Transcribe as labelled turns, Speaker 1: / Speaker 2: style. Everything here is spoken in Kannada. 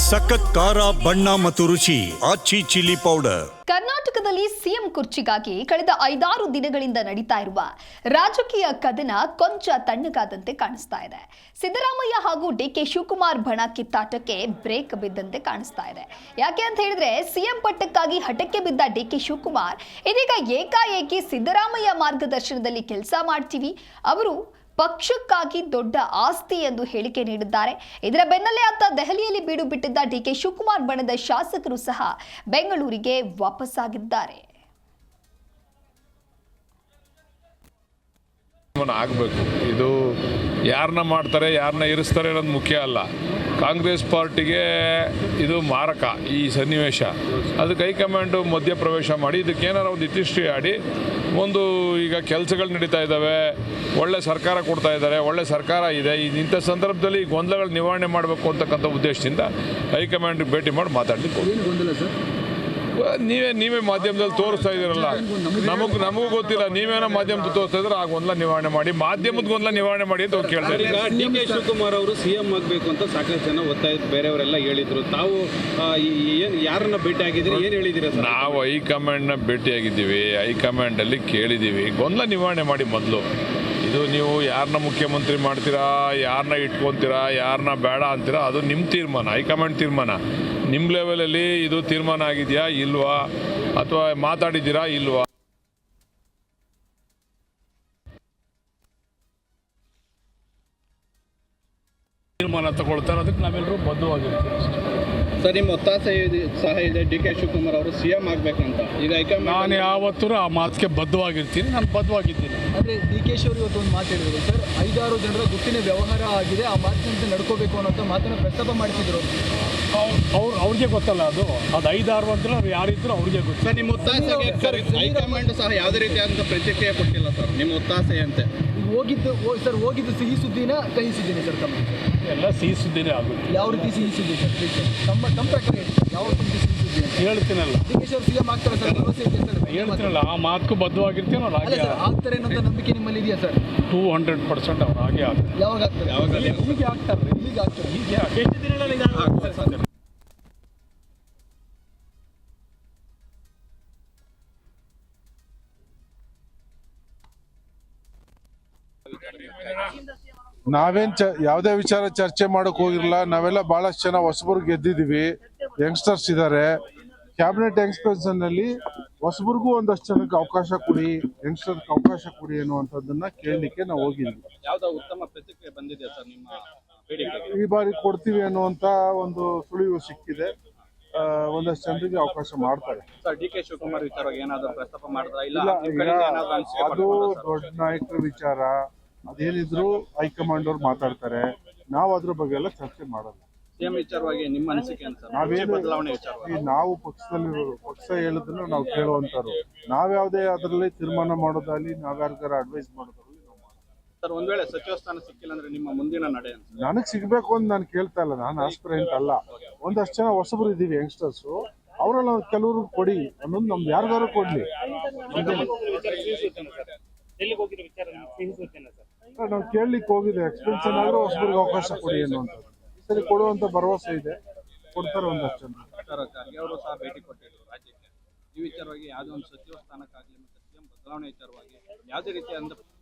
Speaker 1: ಸಖತ್ ಖಾರ ಬಣ್ಣ ಮತ್ತು ರುಚಿ ಆಚಿ ಚಿಲ್ಲಿ ಪೌಡರ್.
Speaker 2: ಕರ್ನಾಟಕದಲ್ಲಿ ಸಿಎಂ ಕುರ್ಚಿಗಾಗಿ ಕಳೆದ 5-6 ದಿನಗಳಿಂದ ನಡೀತಾ ಇರುವ ರಾಜಕೀಯ ಕದನ ಕೊಂಚ ತಣ್ಣಗಾದಂತೆ ಕಾಣಿಸ್ತಾ ಇದೆ. ಸಿದ್ದರಾಮಯ್ಯ ಹಾಗೂ ಡಿಕೆ ಶಿವಕುಮಾರ್ ಬಣ ಕಿತ್ತಾಟಕ್ಕೆ ಬ್ರೇಕ್ ಬಿದ್ದಂತೆ ಕಾಣಿಸ್ತಾ ಇದೆ. ಯಾಕೆ ಅಂತ ಹೇಳಿದ್ರೆ ಸಿಎಂ ಪಟ್ಟಕ್ಕಾಗಿ ಹಠಕ್ಕೆ ಬಿದ್ದ ಡಿಕೆ ಶಿವಕುಮಾರ್ ಇದೀಗ ಏಕಾಏಕಿ ಸಿದ್ದರಾಮಯ್ಯ ಮಾರ್ಗದರ್ಶನದಲ್ಲಿ ಕೆಲಸ ಮಾಡ್ತೀವಿ, ಅವರು ಪಕ್ಷಕ್ಕಾಗಿ ದೊಡ್ಡ ಆಸ್ತಿ ಎಂದು ಹೇಳಿಕೆ ನೀಡಿದ್ದಾರೆ. ಇದರ ಬೆನ್ನಲ್ಲೇ ಅತ್ತ ದೆಹಲಿಯಲ್ಲಿ ಬೀಡು ಬಿಟ್ಟಿದ್ದ ಡಿಕೆ ಶಿವಕುಮಾರ್ ಬಣದ ಶಾಸಕರು ಸಹ ಬೆಂಗಳೂರಿಗೆ ವಾಪಸ್ಸಾಗಿದ್ದಾರೆ.
Speaker 3: ಆಗಬೇಕು, ಇದು ಯಾರನ್ನ ಮಾಡ್ತಾರೆ ಯಾರನ್ನ ಇರಿಸ್ತಾರೆ ಅನ್ನೋದು ಮುಖ್ಯ ಅಲ್ಲ. ಕಾಂಗ್ರೆಸ್ ಪಾರ್ಟಿಗೆ ಇದು ಮಾರಕ ಈ ಸನ್ನಿವೇಶ. ಅದಕ್ಕೆ ಹೈಕಮಾಂಡು ಮಧ್ಯಪ್ರವೇಶ ಮಾಡಿ ಇದಕ್ಕೇನಾರು ಒಂದು ಇತಿಶ್ರೀ ಆಡಿ ಒಂದು ಈಗ ಕೆಲಸಗಳು ನಡೀತಾ ಇದ್ದಾವೆ, ಒಳ್ಳೆ ಸರ್ಕಾರ ಕೊಡ್ತಾ ಇದ್ದಾರೆ, ಒಳ್ಳೆ ಸರ್ಕಾರ ಇದೆ. ಇಂಥ ಸಂದರ್ಭದಲ್ಲಿ ಗೊಂದಲಗಳು ನಿವಾರಣೆ ಮಾಡಬೇಕು ಅಂತಕ್ಕಂಥ ಉದ್ದೇಶದಿಂದ ಹೈಕಮಾಂಡ್ ಭೇಟಿ ಮಾಡಿ ಮಾತಾಡಲಿಕ್ಕೆ ನೀವೇ ಮಾಧ್ಯಮದಲ್ಲಿ ತೋರಿಸ್ತಾ ಇದ್ದೀರಲ್ಲ, ನಮಗೂ ಗೊತ್ತಿಲ್ಲ, ನೀವೇನೋ ಮಾಧ್ಯಮದಲ್ಲಿ ತೋರಿಸ್ತಾ ಇದ್ರೆ ಆ ಗೊಂದಲ ನಿವಾರಣೆ ಮಾಡಿ, ಮಾಧ್ಯಮದ ಗೊಂದಲ ನಿವಾರಣೆ ಮಾಡಿ ಅಂತ ಕೇಳ್ತಾರೆ.
Speaker 4: ಈಗ ಡಿ.ಕೆ. ಶಿವಕುಮಾರ್ ಅವರು ಸಿಎಂ ಆಗಬೇಕು ಅಂತ ಸಾಕಷ್ಟು ಜನ ಒತ್ತಾಯ ಬೇರೆಯವರೆಲ್ಲ ಹೇಳಿದ್ರು. ತಾವು ಯಾರನ್ನ ಭೇಟಿ ಆಗಿದ್ದೀರಿ, ಏನು ಹೇಳಿದ್ದೀರಾ?
Speaker 3: ನಾವು ಹೈಕಮಾಂಡ್ನ ಭೇಟಿಯಾಗಿದ್ದೀವಿ, ಹೈಕಮಾಂಡಲ್ಲಿ ಕೇಳಿದ್ದೀವಿ, ಗೊಂದಲ ನಿವಾರಣೆ ಮಾಡಿ ಮೊದಲು. ಇದು ನೀವು ಯಾರನ್ನ ಮುಖ್ಯಮಂತ್ರಿ ಮಾಡ್ತೀರಾ, ಯಾರನ್ನ ಇಟ್ಕೊತೀರಾ, ಯಾರನ್ನ ಬೇಡ ಅಂತೀರಾ, ಅದು ನಿಮ್ಮ ತೀರ್ಮಾನ, ಹೈಕಮಾಂಡ್ ತೀರ್ಮಾನ. ನಿಮ್ಮ ಲೆವೆಲಲ್ಲಿ ಇದು ತೀರ್ಮಾನ ಆಗಿದೆಯಾ ಇಲ್ವಾ, ಅಥವಾ ಮಾತಾಡಿದ್ದೀರಾ ಇಲ್ವಾ? ತೀರ್ಮಾನ ತಗೊಳ್ತಾರೆ, ಅದಕ್ಕೆ ನಾವೆಲ್ಲರೂ ಬದ್ಧವಾಗಿರ್ತೀವಿ.
Speaker 4: ಸರ್, ನಿಮ್ಮ ಒತ್ತಾಸೆ ಸಹ ಇದೆ ಡಿ.ಕೆ. ಶಿವಕುಮಾರ್ ಅವರು ಸಿಎಂ ಆಗಬೇಕಂತ. ಈಗ
Speaker 3: ನಾನು ಯಾವತ್ತೂ ಆ ಮಾತಿಗೆ ಬದ್ಧವಾಗಿರ್ತೀನಿ, ನಾನು ಬದ್ಧವಾಗಿದ್ದೀನಿ.
Speaker 5: ಅಂದರೆ ಡಿ.ಕೆ. ಶಿ ಅವರು ಇವತ್ತು ಒಂದು ಮಾತು ಹೇಳಿದ್ರು ಸರ್, 5-6 ಜನರ ಗುಟ್ಟಿನ ವ್ಯವಹಾರ ಆಗಿದೆ, ಆ ಮಾತಿನಂತೆ ನಡ್ಕೋಬೇಕು ಅನ್ನೋಂಥ ಮಾತನ್ನು ಪ್ರಸ್ತಾಪ ಮಾಡ್ತಿದ್ರು.
Speaker 3: ಅವ್ರಿಗೆ ಗೊತ್ತಲ್ಲ, ಅದು 5-6 ಅಂದ್ರೆ ಅವ್ರು ಯಾರಿದ್ರು ಅವ್ರಿಗೆ ಗೊತ್ತು.
Speaker 4: ಸರ್, ನಿಮ್ಮ ಒತ್ತಾಸೆಗೆ ಹೈಕಮಾಂಡ್ ಸಹ ಯಾವುದೇ ರೀತಿಯಾದಂಥ ಪ್ರತಿಕ್ರಿಯೆ ಕೊಟ್ಟಿಲ್ಲ ಸರ್, ನಿಮ್ಮ ಒತ್ತಾಸೆ ಅಂತೆ.
Speaker 5: ಹೋಗಿದ್ದು ಸಿಹಿ ಸುದ್ದಿನ ಕಹಿ ಸುದ್ದಿನೇ ಸರ್? ತಮ್ಮ
Speaker 3: ಎಲ್ಲ ಸಿಹಿ ಸುದ್ದಿನೇ ಆಗುತ್ತೆ. ಯಾವ
Speaker 5: ರೀತಿ ಸಿಹಿ ಸುದ್ದಿ ಸರ್? ತಮ್ಮ ಪ್ರಕಾರ ಯಾವ ರೀತಿ ಸಿಹಿ ಸುದ್ದಿ
Speaker 3: ಹೇಳ್ತೀನಲ್ಲ.
Speaker 5: ಡಿ.ಕೆ. ಶಿ ಅವರು ಸಿಎಂ ಆಗ್ತಾರೆ ಸರ್, ಭರವಸೆ ಇದೆ ಸರ್?
Speaker 3: ಹೇಳ್ತೀನಲ್ಲ, ಆ ಮಾತಕ್ಕೂ ಬದ್ಧವಾಗಿರ್ತೀವಿ. ನಾವು ಹಾಗೆ
Speaker 5: ಆಗ್ತಾರೆ ಅನ್ನೋ ನಂಬಿಕೆ ನಿಮ್ಮಲ್ಲಿ ಇದೆಯಾ ಸರ್?
Speaker 3: 200% ಅವ್ರು ಹಾಗೆ ಆಗ್ತಾರೆ.
Speaker 5: ಯಾವಾಗ ಆಗ್ತಾರೆ?
Speaker 3: ಹೀಗೆ ಆಗ್ತಾರೆ. ಎಷ್ಟು ದಿನಗಳಲ್ಲಿ ಆಗ್ತಾರೆ.
Speaker 6: ನಾವೇನ್ ಯಾವುದೇ ವಿಚಾರ ಚರ್ಚೆ ಮಾಡಕ್ ಹೋಗಿರಲ್ಲ. ನಾವೆಲ್ಲ ಬಹಳಷ್ಟು ಜನ ಹೊಸಬರು ಗೆದ್ದಿದೀವಿ, ಯಂಗ್ಸ್ಟರ್ಸ್ ಇದ್ದಾರೆ. ಕ್ಯಾಬಿನೆಟ್ ಎಕ್ಸ್ಪೆನ್ಷನ್ ನಲ್ಲಿ ಹೊಸಬರಿಗೂ ಒಂದಷ್ಟು ಜನಕ್ಕೆ ಅವಕಾಶ ಕೊಡಿ, ಯಂಗ್ಸ್ಟರ್ಸ್ ಅವಕಾಶ ಕೊಡಿ ಅನ್ನುವಂಥದ್ದನ್ನ ಕೇಳಲಿಕ್ಕೆ ನಾವು ಹೋಗಿದ್ವಿ.
Speaker 4: ಯಾವ್ದೋ ಉತ್ತಮ ಪ್ರತಿಕ್ರಿಯೆ ಬಂದಿದೆ ಸರ್ ನಿಮ್ಮ ಬೇಡಿಕೆಗೆ?
Speaker 6: ಈ ಬಾರಿ ಕೊಡ್ತೀವಿ ಅನ್ನುವಂತ ಒಂದು ಸುಳಿವು ಸಿಕ್ಕಿದೆ. ಒಂದಷ್ಟು ಜನರಿಗೆ ಅವಕಾಶ ಮಾಡ್ತಾರೆ.
Speaker 4: ಸರ್, ಡಿ.ಕೆ. ಶಿವಕುಮಾರ್ ವಿಚಾರವಾಗಿ ಏನಾದರೂ ಪ್ರಸ್ತಾಪ ಮಾಡಿದ್ರಾ? ಇಲ್ಲ,
Speaker 6: ಅದು ದೊಡ್ಡ ನಾಯಕರ ವಿಚಾರ, ಅದೇನಿದ್ರು ಹೈಕಮಾಂಡ್ ಅವ್ರು ಮಾತಾಡ್ತಾರೆ. ನಾವು ಅದ್ರ ಬಗ್ಗೆ ಎಲ್ಲ ಚರ್ಚೆ ಮಾಡಲ್ಲ.
Speaker 4: ಸಿಎಂ ವಿಚಾರವಾಗಿ ನಿಮ್ಮ ಅನಿಸಿಕೆ ಅಂತ? ಬದಲಾವಣೆ ವಿಚಾರವಾಗಿ
Speaker 6: ನಾವು ಪಕ್ಷ ಹೇಳಿದ್ರು ನಾವು ಕೇಳುವಂತರು. ನಾವ್ಯಾವುದೇ ಅದರಲ್ಲಿ ತೀರ್ಮಾನ ಮಾಡೋದಾಗ್ಲಿ, ನಾವ್ಯಾರಿಗಾರ ಅಡ್ವೈಸ್ ಮಾಡೋದಾಗ್ಲಿ ನಾವು ಮಾಡಲ್ಲ.
Speaker 4: ಸರ್, ಒಂದ್ ವೇಳೆ ಸಚಿವ ಸ್ಥಾನ ಸಿಕ್ಕಿಲ್ಲ ಅಂದ್ರೆ ನಿಮ್ಮ ಮುಂದಿನ ನಡೆ ಅಂತ?
Speaker 6: ನನಗ್ ಸಿಗ್ಬೇಕು ಅಂತ ನಾನು ಕೇಳ್ತಾ ಇಲ್ಲ, ನಾನು ಆಸ್ಪಿರೆಂಟ್ ಅಲ್ಲ. ಒಂದಷ್ಟು ಜನ ಹೊಸಬರು ಇದೀವಿ, ಯಂಗ್ಸ್ಟರ್ಸ್, ಅವರೆಲ್ಲ ಕೆಲವರು ಕೊಡಿ ಅನ್ನೋದು ನಮ್ದು ಯಾರಿಗಾರು ಕೊಡ್ಲಿ. ನಾವು ಕೇಳಲಿಕ್ಕೆ ಹೋಗಿದೆ, ಎಕ್ಸ್ಪೆನ್ಷನ್ ಆದ್ರೂ ಹೊಸಬರಿಗೆ ಅವಕಾಶ ಕೊಡಿ ಅನ್ನುವಂಥದ್ದು. ಸರಿ, ಕೊಡುವಂತ ಭರವಸೆ ಇದೆ, ಕೊಡ್ತಾರೆ ಒಂದಷ್ಟು ಜನ.
Speaker 4: ಖರ್ಗೆ ಅವರು ಸಹ ಭೇಟಿ ಕೊಟ್ಟಿದ್ರು ರಾಜ್ಯಕ್ಕೆ. ಈ ವಿಚಾರವಾಗಿ ಯಾವುದೇ ಒಂದು ಸಚಿವ ಸ್ಥಾನಕ್ಕಾಗಲಿ ಮತ್ತು ಸಿಎಂ ಬದಲಾವಣೆ ವಿಚಾರವಾಗಿ ಯಾವುದೇ ರೀತಿಯಾದ